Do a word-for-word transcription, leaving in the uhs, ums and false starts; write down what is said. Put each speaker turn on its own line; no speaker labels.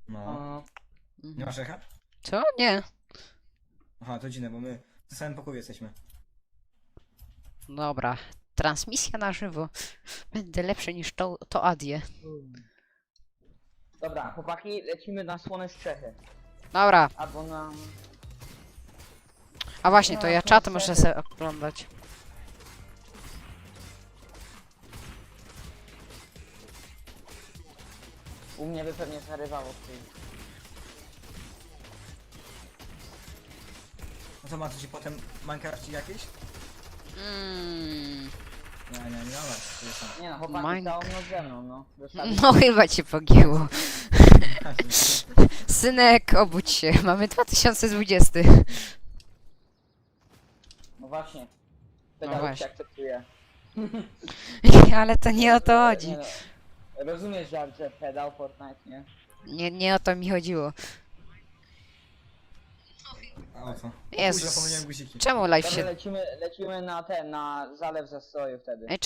No.
O,
Nie masz echa?
Co? Nie.
Aha, to dziwne, bo my w samym pokoju jesteśmy.
Dobra. Transmisja na żywo. Będę lepszy niż to, to Adie.
dobra, chłopaki, lecimy na słone Strzechy.
Dobra.
Albo na...
A właśnie, to
No,
ja
to
czat
wtedy-
muszę sobie oglądać.
U mnie by pewnie zarywało w tym.
No to macie ci potem Minecraft jakieś?
Mm.
Nie, nie, nie masz. to jest tam.
Nie no, chłopaki
Mine-
całą noc ze mną, no. Zostawić.
No chyba cię pogięło. Synek, obudź się. Mamy dwa tysiące dwudziesty.
No właśnie.
No
Pedał
właśnie.
się akceptuje.
Ale to nie o to chodzi.
Nie no, rozumiesz żart, że pedał Fortnite, nie?
Nie, nie o to mi chodziło.
A o co?
Jezus.
Jezus. Zapomniałem guziki.
Czemu live
Dobra,
się...
lecimy, lecimy na ten, na zalew zastoju wtedy.
Ej,